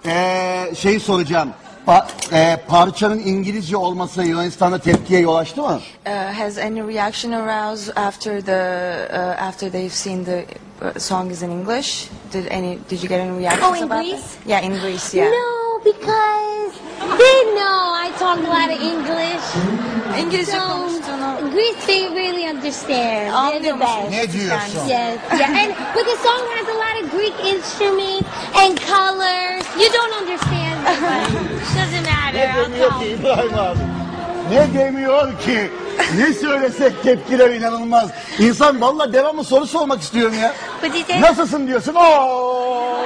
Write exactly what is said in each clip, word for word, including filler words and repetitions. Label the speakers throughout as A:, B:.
A: Ee, şey soracağım. Pa e, parçanın İngilizce olması Yunanistan'da tepkiye yol açtı mı?
B: Uh, has any reaction aroused after the uh, after they've seen the uh, song is in English? Did any did you get any reactions
C: Oh, in
B: about
C: Greece?
B: that? Yeah, in Greece. Yeah.
C: No, because they know I talk a lot of English.
B: İngilizce
C: So
B: konuştuğunu
C: Greece, they really understand. They're the best.
A: Ne diyorsun?
C: Yes, yeah, and but the song has a lot of Greek instruments and colors. You don't understand, but doesn't matter. I'll
A: Demiyor
C: call
A: ki
C: you.
A: İbrahim abi. Ne demiyor ki? Ne söylesek tepkiler inanılmaz. İnsan vallahi devamlı soru sormak istiyorum ya.
C: But he said,
A: Nasılsın diyorsun? Oo!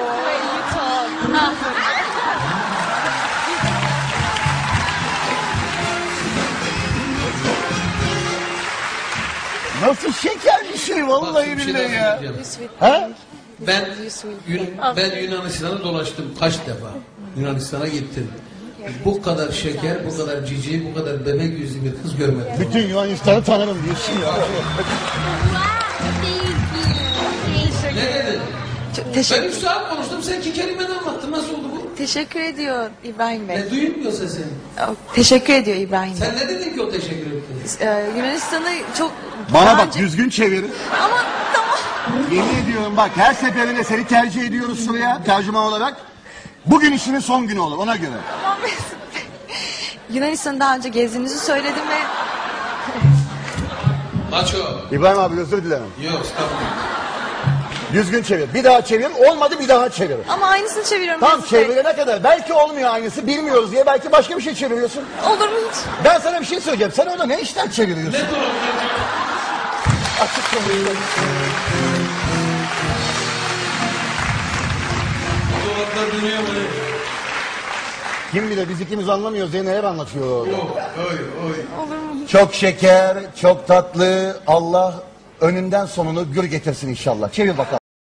A: Nasıl şeker bir şey vallahi
D: Bir şey
A: billahi
D: daha
A: ya.
D: söyleyeceğim.
A: Ha?
D: Ben, Yun- ben Yunanistan'ı dolaştım kaç defa. Yunanistan'a gittim. Bu kadar şeker, bu kadar cici, bu kadar bebek yüzlü bir kız görmedim.
A: Bütün Yunanistan'ı tanırım diyorsun ya.
C: wow, thank you. Thank you.
D: Ne dedin?
B: Çok
D: Ben
B: teşekkür
D: üç saat konuştum, sen iki kelimeden anlattın. Nasıl oldu bu?
B: teşekkür ediyor İbrahim Bey.
D: Ne duyulmuyor sesin.
B: Oh, teşekkür ediyor İbrahim Bey.
D: Sen ne dedin ki o teşekkür etti?
B: Ee, Yunanistan'ı çok
A: Bana
B: daha
A: bak
B: önce-
A: düzgün çevirin.
B: Ama tamam.
A: Yemin ediyorum bak her seferinde seni tercih ediyoruz şuraya tercüman olarak. Bugün işinin son günü olur ona göre.
B: Tamam Mesut Bey. Yunanistan'ı daha önce gezdiğinizi söyledim ve
D: Maço.
A: İbrahim abi özür dilerim.
D: Yok, stop.
A: Düzgün çevir. Bir daha çevir. Olmadı bir daha çevir.
B: ama aynısını çeviriyorum
A: Tam
B: Mesut Bey.
A: çevirene kadar. Belki olmuyor aynısı bilmiyoruz diye belki başka bir şey çeviriyorsun.
B: Olur mu hiç?
A: Ben sana bir şey söyleyeceğim. Sen orada ne işler çeviriyorsun?
D: Ne dolap?
A: Açık konuşuyorsun.
D: Dolaplar dönüyor mu?
A: Kim bilir biz ikimiz anlamıyoruz diye neler anlatıyor orada.
D: Yok, oy, oy.
A: Çok şeker, çok tatlı. Allah önünden sonunu gür getirsin inşallah. Çevir bakalım.